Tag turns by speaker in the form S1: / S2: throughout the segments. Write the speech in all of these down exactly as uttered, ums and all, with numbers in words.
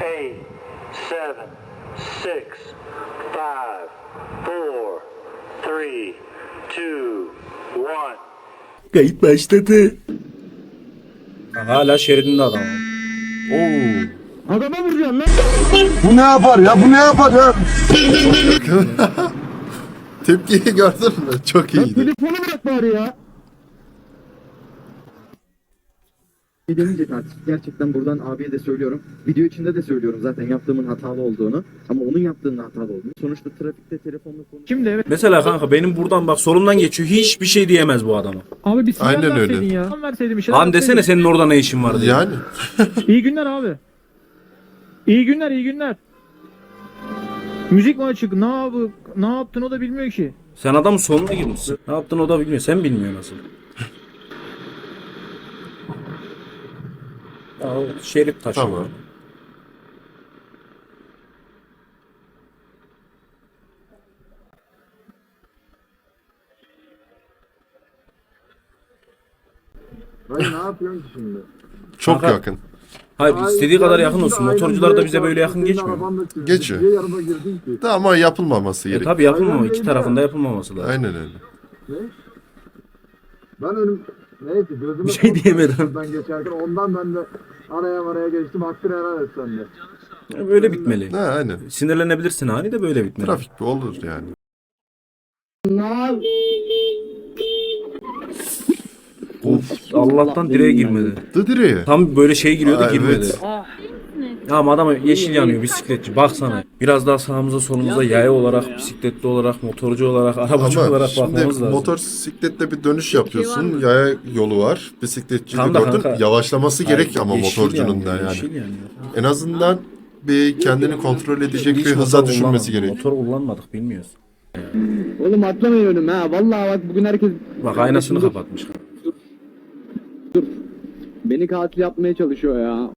S1: eight, seven, six, five, four, three, two, one.
S2: Kayıt başladı. Hala şeridinde adam.
S3: Oo.
S4: Adama vuracaksın lan.
S3: Bu ne yapar ya? Bu ne yapar ya? Tepkiyi gördün mü? Çok
S4: Lan
S3: iyiydi.
S4: telefonu bırak bari ya. Demeyecek artık. Gerçekten buradan abiye de söylüyorum. Video içinde de söylüyorum zaten yaptığımın hatalı olduğunu. Ama onun yaptığının hatalı olduğunu. Sonuçta trafikte telefonla konuş. Şimdi evet.
S2: Mesela kanka benim buradan bak solumdan geçiyor. Hiçbir şey diyemez bu adama.
S4: Abi bir sinyal
S3: Aynen öyle.
S4: verseydin ya. Sinyal verseydin bir şeyler
S2: Lan desene
S4: verseydin.
S2: senin orada ne işin var diye.
S3: Yani.
S4: İyi günler abi. İyi günler, iyi günler. Müzik mi açık? Ne yapı, ne yaptın o da bilmiyor ki.
S2: Sen adamın sonuna girmişsin. Ne yaptın o da bilmiyor. Sen bilmiyorsun nasıl. Ya o şerit taşı.
S3: Tamam.
S5: Hayır ne yapıyorsun ki şimdi?
S3: Çok
S2: Kanka,
S3: yakın.
S2: Hayır
S5: Hayır,
S2: istediği kadar
S5: yani
S2: yakın
S5: şimdi
S2: olsun.
S5: aynen
S2: Motorcular da
S5: direkt
S2: bize böyle yakın
S5: senin
S2: geçmiyor.
S5: arabanla çizdin.
S3: Geçiyor.
S5: Niye yanıma girdin ki?
S3: Da ama yapılmaması
S2: E
S3: gerek.
S2: tabi yapılmamalı.
S5: Aynen
S2: İki
S5: öyle.
S2: tarafında yapılmaması lazım.
S3: Aynen öyle.
S5: Ne? Ben önüm... Neyse gözüme...
S2: Bir şey
S5: korktum.
S2: diyemedim.
S5: Ben geçerken ondan ben de araya araya geçtim. Hakkını helal et sen de.
S2: Ya böyle bitmeli.
S3: Ha, aynen.
S2: Sinirlenebilirsin hani de böyle bitmeli.
S3: Trafik bir olur yani.
S2: Of Allah'tan direğe girmedi.
S3: Dı direğe.
S2: Tam böyle şey giriyordu
S3: Aa,
S2: girmedi.
S3: evet.
S2: Ama adama yeşil yanıyor bisikletçi. Baksana. Biraz daha sağımıza solumuza yaya olarak, bisikletli olarak, motorcu olarak, arabacı
S3: Ama
S2: olarak
S3: şimdi
S2: bakmamız lazım.
S3: motosikletle bir dönüş yapıyorsun. Yaya yolu var. Bisikletçi de
S2: Tam da
S3: gördün.
S2: kanka.
S3: Yavaşlaması gerek ama
S2: Yeşil
S3: motorcunun
S2: yanıyor,
S3: da yani.
S2: yeşil yanıyor.
S3: En azından bir kendini kontrol edecek
S2: Hiç
S3: bir
S2: motor
S3: hıza düşürmesi
S2: kullanmadık.
S3: gerek.
S2: Motor kullanmadık bilmiyoruz.
S4: Oğlum atlamayın önüme ha. Vallahi bak bugün herkes...
S2: Bak aynasını kapatmış.
S4: Beni katil yapmaya çalışıyor ya.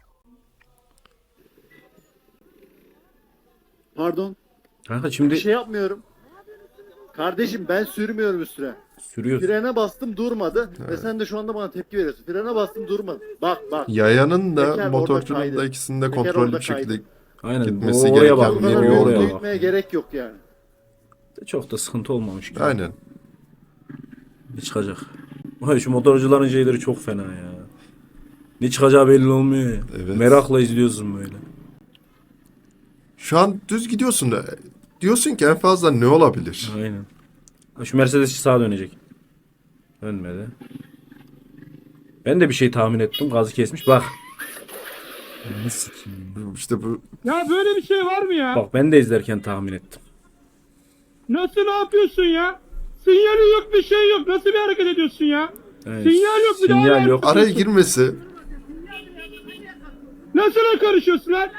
S6: Pardon.
S2: Kanka
S6: Bir
S2: şimdi
S6: şey yapmıyorum. Kardeşim ben sürmüyorum üstüne.
S2: sürüyorsun.
S6: Frene bastım durmadı ve sen de şu anda bana tepki veriyorsun. Frene bastım durmadı. Bak bak.
S3: Yayanın da
S6: Teker
S3: motorcunun
S6: orada
S3: da
S6: kaydı.
S3: ikisinde
S6: Teker
S3: kontrollü
S6: orada
S3: bir şekilde
S6: kaydı.
S2: Aynen.
S3: gitmesi
S2: Oraya
S3: gereken
S2: bak,
S6: Bu
S3: bir
S6: kadar
S3: yol
S2: oraya
S6: oraya
S2: bak.
S6: gitmeye gerek yok yani.
S2: Çok da sıkıntı olmamış gibi.
S3: aynen.
S2: Ne çıkacak? Vay şu motorcuların şeyleri çok fena ya. Ne çıkacağı belli olmuyor ya.
S3: Evet.
S2: Merakla izliyorsun böyle.
S3: Şu an düz gidiyorsun da diyorsun ki en fazla ne olabilir?
S2: Aynen. Ha, şu Mercedes sağa dönecek. Dönmedi. Ben de bir şey tahmin ettim. Gazı kesmiş. Bak. Ne sikeyim.
S3: İşte bu
S7: Ya böyle bir şey var mı ya?
S2: Bak ben de izlerken tahmin ettim.
S7: Nasıl ne yapıyorsun ya? Sinyali yok bir şey yok. Nasıl bir hareket ediyorsun ya?
S2: Yani
S7: Sinyal yok, bir daha
S2: Sinyal
S7: var.
S2: yok.
S3: araya girmesi
S7: Nasıl ne karışıyorsun lan?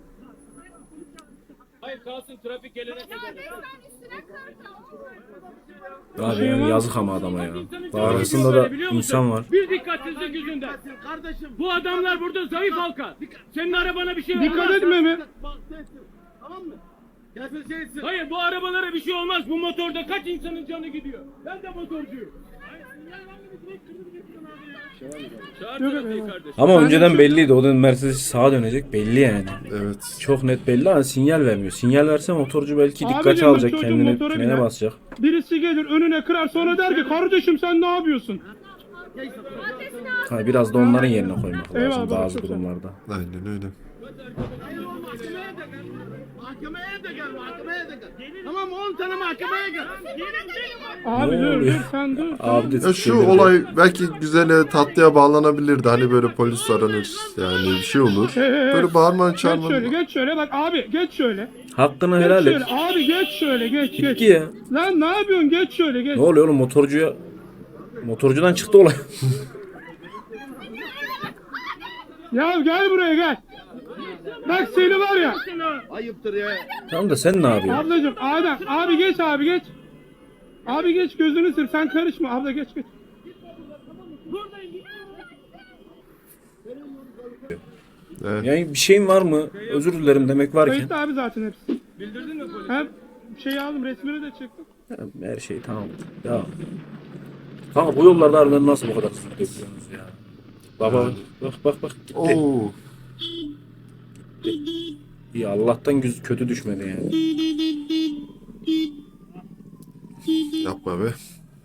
S2: Abi yani yazık ama adama ya. Daha arasında da insan var.
S7: Bir dikkatsizlik yüzünden. Kardeşim. Bu adamlar burada zayıf halka. Senin arabana bir şey olmaz. Dikkat etme mi? Tamam mı? Hayır bu arabalara bir şey olmaz. Bu motorda kaç insanın canı gidiyor. Ben de motorcuyum.
S2: Ama önceden belliydi. O da Mercedes sağa dönecek. Belli yani.
S3: evet.
S2: Çok net belli ama sinyal vermiyor. Sinyal verse motorcu belki
S7: Abicim,
S2: dikkate
S7: bak
S2: alacak.
S7: çocuğun
S2: Kendini
S7: motora
S2: frene
S7: biner.
S2: basacak.
S7: Birisi gelir önüne kırar sonra der ki kardeşim sen ne yapıyorsun?
S2: Ha, biraz da onların yerine koymak lazım
S7: Eyvallah,
S2: bazı
S7: çok sağ ol.
S2: durumlarda.
S3: Aynen öyle.
S7: Mahkemeye de gel, mahkemeye de gel. Tamam on tane mahkemeye gel. Abi
S2: Ne
S7: dur
S2: oluyor?
S7: dur sen dur.
S2: Abi de
S3: Ya şu
S2: siktirdi.
S3: olay belki güzel tatlıya bağlanabilirdi. Hani böyle polis aranır yani bir şey olur. Böyle bağırman
S7: Geç şöyle
S3: çağırman.
S7: geç şöyle bak abi geç şöyle.
S2: Hakkını
S7: Geç
S2: helal et.
S7: şöyle abi geç şöyle geç geç.
S2: Gitti ya.
S7: Lan ne yapıyorsun geç şöyle geç.
S2: Ne oluyor oğlum motorcuya? Motorcudan çıktı olay.
S7: Ya gel buraya gel. Bak seni var ya.
S6: Ayıptır ya.
S2: Tamam da sen ne yapıyorsun?
S7: Ablacım Adem abi geç abi geç. Abi geç gözünü sır sen karışma abla geç geç.
S3: Evet.
S2: Yani bir şeyin var mı? Özür dilerim demek varken.
S7: Kayıtlı abi zaten hepsi. Bildirdin mi polisi? Hem şey aldım resmini de çektim.
S2: Her şey tamam. Ya. Kanka bu yollarda harbiden nasıl bu kadar hızlı gidiyorsunuz ya? Baba bak bak bak gitti.
S3: Oo.
S2: gitti. İyi Allah'tan güz kötü düşmedi yani.
S3: Yapma be.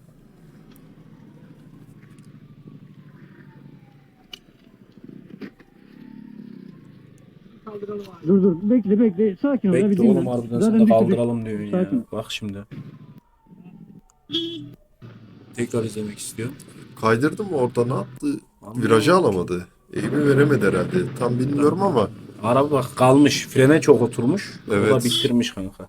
S8: Dur dur bekle bekle sakin ol. ya, bir
S2: Bekle
S8: dinle.
S2: oğlum harbiden
S8: Zaten
S2: sen de
S8: bir sürü-
S2: kaldıralım diyor ya.
S8: Sakin.
S2: Bak şimdi. Tekrar izlemek istiyor.
S3: Kaydırdı mı orada ne yaptı?
S2: Anlamadım.
S3: Virajı alamadı. Eğimi veremedi herhalde. Tam bilmiyorum ama.
S2: Araba bak kalmış. Frene çok oturmuş. O da
S3: Evet.
S2: bitirmiş kanka.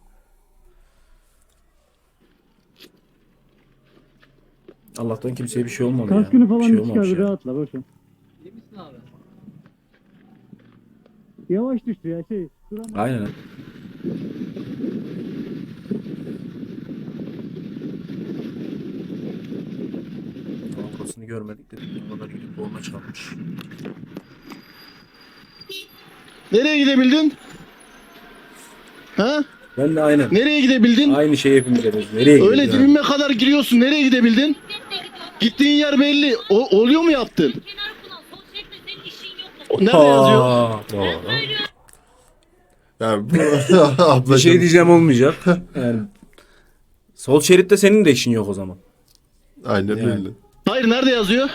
S2: Allah'tan kimseye bir şey olmadı ya.
S8: Kaskını
S2: Bir
S8: falan
S2: şey
S8: bir
S2: olmamış
S8: çıkar bir
S2: ya.
S8: rahatla boş ver. Yavaş düştü ya şey. Duramaz.
S2: Aynen. Bankasını görmedik dedik. O kadar gidip borna çalmış.
S6: Nereye gidebildin? Ha?
S2: Ben de aynen.
S6: Nereye gidebildin?
S2: Aynı şey hepimiz yapıyoruz. Nereye gidiyoruz?
S6: Öyle
S2: ya?
S6: dibime kadar giriyorsun. Nereye gidebildin? Gittiğin yer belli. O, oluyor mu yaptın? O nerede yazıyor?
S2: Aa, doğru.
S3: Yani bu
S2: Bir
S3: ablacığım.
S2: şey diyeceğim olmayacak. Yani sol şeritte senin de işin yok o zaman.
S3: Aynen
S2: Yani.
S3: öyle.
S6: Hayır nerede yazıyor?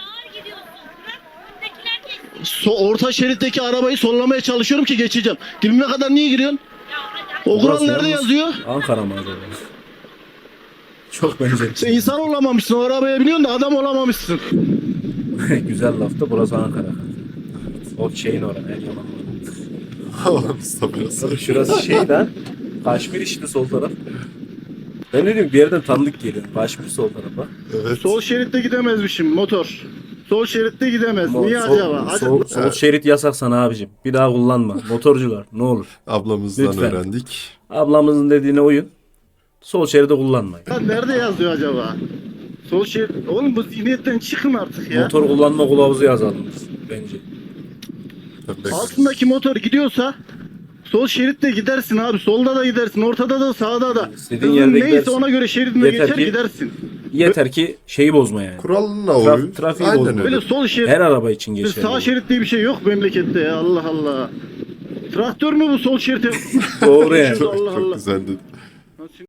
S6: So, orta şeritteki arabayı sollamaya çalışıyorum ki geçeceğim. Dibime kadar niye giriyorsun? O kural
S2: Burası
S6: nerede
S2: yalnız
S6: yazıyor?
S2: Ankara mı acaba? Çok benzer.
S6: Sen insan olamamışsın. O arabaya biniyorsun da adam olamamışsın.
S2: Güzel lafta burası Ankara. O şeyin orası. El yalan.
S3: Mustafa Yasa.
S2: Tabii şurası şeyden. Kaşmir işte sol taraf. Ben ne diyorum bir yerden tanıdık geliyor. Kaşmir sol tarafa.
S3: Evet.
S6: Sol şeritte gidemezmişim motor. Sol şeritte gidemez.
S2: Mo-
S6: Niye
S2: sol,
S6: acaba? Hadi.
S2: Sol, sol şerit yasak sana abicim. Bir daha kullanma. Motorcular ne olur.
S3: Ablamızdan
S2: Lütfen.
S3: öğrendik.
S2: Ablamızın dediğine uyun. Sol şeridi kullanmayın.
S6: Ya nerede yazıyor acaba? Sol şerit. Oğlum bu zihniyetten çıkın artık ya.
S2: Motor kullanma kılavuzu yazalım biz bence.
S6: Altındaki motor gidiyorsa sol şeritte gidersin abi. Solda da gidersin. Ortada da sağda da.
S2: İstediğin
S6: Hızın
S2: yerde
S6: neyse
S2: gidersin.
S6: ona göre şeridine
S2: Yeter
S6: geçer
S2: ki-
S6: gidersin.
S2: Yeter ki şeyi bozma yani.
S3: Kuralına
S2: Traf-
S3: uy.
S2: trafiği
S3: Aynen
S2: bozma.
S3: öyle.
S6: Böyle sol şerit.
S2: Her araba için geçerli.
S6: Sağ şerit diye bir şey yok memlekette ya. Allah Allah. Traktör mü bu sol şerite?
S2: Doğru yani.
S3: Çok,
S6: Allah
S3: çok
S6: Allah.
S3: güzeldi.